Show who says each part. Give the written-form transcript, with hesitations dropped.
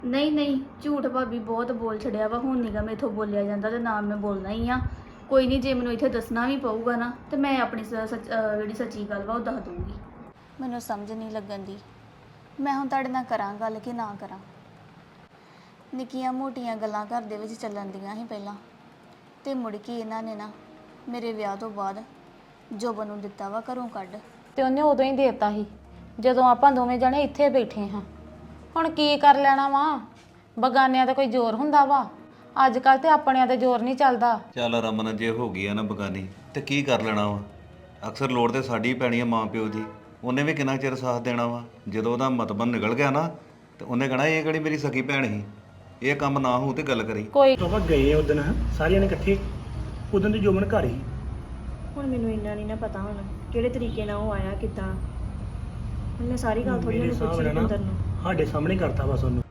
Speaker 1: ਨਹੀਂ ਨਹੀਂ, ਝੂਠ ਭਾਬੀ ਬਹੁਤ ਬੋਲ ਛੜਿਆ ਵਾ। ਹੁਣ ਨੀਗਾ ਮੈਥੋਂ ਬੋਲਿਆ ਜਾਂਦਾ ਤੇ ਨਾ ਮੈਂ ਬੋਲਣਾ ਹੀ ਆ। ਕੋਈ ਨਹੀਂ, ਜੇ ਮੈਨੂੰ ਇੱਥੇ ਦੱਸਣਾ ਵੀ ਪਊਗਾ ਨਾ ਤੇ ਮੈਂ ਆਪਣੀ ਜਿਹੜੀ ਸੱਚੀ ਗੱਲ ਵਾ ਉਹ ਦੱਸ ਦੂੰਗੀ। ਮੈਨੂੰ ਸਮਝ ਨਹੀਂ ਲੱਗਣ ਦੀ ਮੈਂ ਹੁਣ ਤੁਹਾਡੇ ਨਾਲ ਕਰਾਂ ਗੱਲ ਕਿ ਨਾ ਕਰਾਂ। ਨਿੱਕੀਆਂ ਮੋਟੀਆਂ ਗੱਲਾਂ ਘਰ ਦੇ ਵਿੱਚ ਚੱਲਣ ਦੀਆਂ ਸੀ ਪਹਿਲਾਂ, ਤੇ ਮੁੜ ਕੇ ਇਹਨਾਂ ਨੇ ਨਾ ਮੇਰੇ ਵਿਆਹ ਤੋਂ ਬਾਅਦ ਜੋਬਨ ਨੂੰ ਦਿੱਤਾ ਵਾ ਘਰੋਂ ਕੱਢ।
Speaker 2: ਤੇ ਉਹਨੇ ਉਦੋਂ ਹੀ ਦੇਤਾ ਸੀ ਜਦੋਂ ਆਪਾਂ ਦੋਵੇਂ ਜਣੇ ਇੱਥੇ ਬੈਠੇ ਹਾਂ। ਹੁਣ ਕੀ ਕਰ ਲੈਣਾ ਵਾ, ਬਗਾਨਿਆਂ ਤੇ ਕੋਈ ਜ਼ੋਰ ਹੁੰਦਾ ਵਾ, ਅੱਜ ਕੱਲ ਤੇ ਆਪਣਿਆਂ ਤੇ ਜ਼ੋਰ ਨਹੀਂ ਚੱਲਦਾ।
Speaker 3: ਚੱਲ ਰਮਨ, ਜੇ ਹੋ ਗਈ ਆ ਨਾ ਬਗਾਨੀ ਤੇ ਕੀ ਕਰ ਲੈਣਾ ਵਾ। ਅਕਸਰ ਲੋੜ ਤੇ ਸਾਡੀ ਪੈਣੀ ਆ ਮਾਂ ਪਿਓ ਦੀ। ਉਹਨੇ ਵੀ ਕਿੰਨਾ ਚਿਰ ਸਾਥ ਦੇਣਾ ਵਾ। ਜਦੋਂ ਉਹਦਾ ਮਤਬਨ ਨਿਕਲ ਗਿਆ ਨਾ ਤੇ ਉਹਨੇ ਕਹਣਾ ਇਹ ਕਿਹੜੀ ਮੇਰੀ ਸਕੀ ਭੈਣ ਸੀ, ਇਹ ਕੰਮ ਨਾ ਹੋਊ ਤੇ ਗੱਲ ਕਰੀ।
Speaker 2: ਕੋਈ
Speaker 4: ਆਪਾਂ ਗਏ ਉਦੋਂ ਸਾਰਿਆਂ ਨੇ ਇਕੱਠੇ, ਉਦੋਂ ਦੀ ਜੋਬਨ ਘਰ ਹੀ।
Speaker 5: ਹੁਣ ਮੈਨੂੰ ਇੰਨਾ ਨਹੀਂ ਨਾ ਪਤਾ ਹੁਣ ਕਿਹੜੇ ਤਰੀਕੇ ਨਾਲ ਉਹ ਆਇਆ ਕਿੱਦਾਂ। ਹੁਣ ਮੈਂ ਸਾਰੀ ਗੱਲ ਥੋੜੀ ਜਿਹੀ ਪੁੱਛੀ ਅੰਦਰ ਨੂੰ।
Speaker 4: ਸਾਡੇ ਸਾਹਮਣੇ ਕਰਤਾ ਬਸ ਉਹਨੂੰ।